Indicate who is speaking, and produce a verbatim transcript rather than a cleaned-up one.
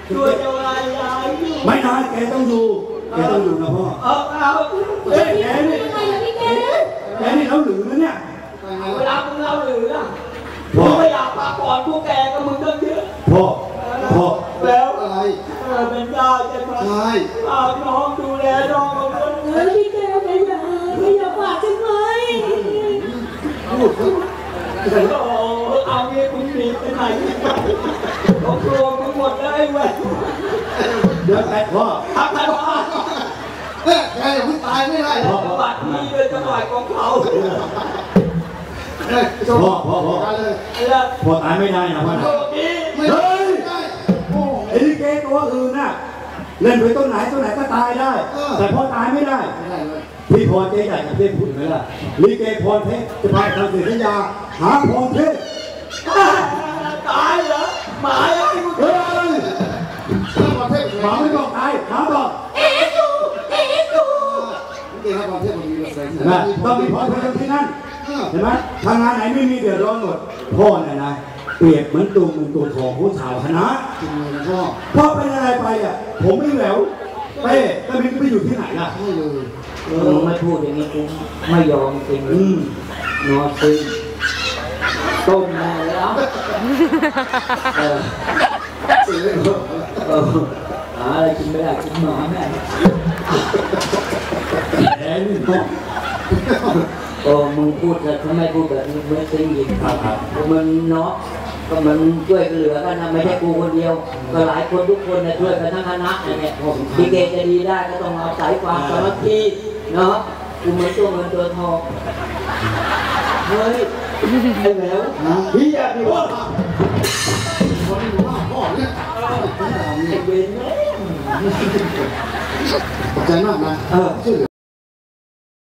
Speaker 1: ช่วยจะวายยาย
Speaker 2: ไม่นานแกต้องอยู่แกต้องอยู่นะพ่อ
Speaker 1: เอาเอา
Speaker 2: เฮ้ยแกนี่แกนี่เราหรือนะเนี่ย
Speaker 1: เวลามึงเราหรือล่ะพ่อไม่อยากพักผ่อนพวกแกกับมึงตั้งเยอะ
Speaker 2: พ่อพ่อ
Speaker 1: แล้วอะไรเป็นได้ใช่ไหมใช่เอาน้องดูแลน้องมาคนเฮ้ยพี่แกไม่อยากไม่อยากฝากใช่ไหมพูดเอาเงี้ยมึงหนีไปไหนเขากลัวมึงหมดเลยเว้ย
Speaker 2: เดี๋ยวแต่พ่อ
Speaker 1: ทักทายพ่อ
Speaker 3: เฮ้ยแกอย่าเพิ่งตายไม่ได้
Speaker 1: จังหวัดนี้เป็นจังหวัดของเขา
Speaker 2: พ่อพ่อพ่อพ่อตายไม่ได้นะพ่อนะเฮ้ยไอ้ลิเกตัวอื่นน่ะเล่นไปต้นไหนต้นไหนก็ตายได้แต่พ่อตายไม่ได้พี่พรเจ๊ใหญ่กับเจ๊พูดไหมล่ะลิเกพรเพชรจะพาทำศิลปะหาพรเพชร
Speaker 1: ตายเหรอหมาไอ้มึง
Speaker 2: เฮ้ยหมาไม่บอกตายหมาบอก
Speaker 1: เอ๊ะกูเอ๊ะกู
Speaker 3: เอ๊ะพรเพชรมันมีอะไร
Speaker 2: นะต้องมีพรเพชรที่นั่นเห็นไหมทางงานไหนไม่มีเดือดร้อนหมดพ่อเนี่ยนะเปรียบเหมือนตัวเงินตัวทองผู้ชาวคณะพ่อพ่อเป็นอะไรไปอ่ะผมไม่แหววเป้ก็ไม่ไปอยู่ที่ไหนล่ะ
Speaker 3: ไม่เลย
Speaker 1: เออไม่พูดอย่างนี้กูไม่ยอมจริงอืมนอนซึงต้มแม่แล้วเออเออหาอะไรกินไม่ได้กินหมาแม่แอนโอ้มึงพูดแต่ทำไมพูดแบบนี้ไม่ได้ยินครับมันเนาะก็มันช่วยเหลือกันนะไม่ใช่กูคนเดียวก็หลายคนทุกคนเนี่ยช่วยกันทั้งคณะเนี่ยดีเกจะดีได้ก็ต้องเอาสายความสามัคคีเนาะกูเหมือนตัวเงินตัวทองเฮ้ยไอ้แมวพี่อยากดีว่า
Speaker 3: คนที่ว่าพ่อเนี่ย
Speaker 1: ไอ้เบนเนี่ย
Speaker 3: ใจมากนะเออ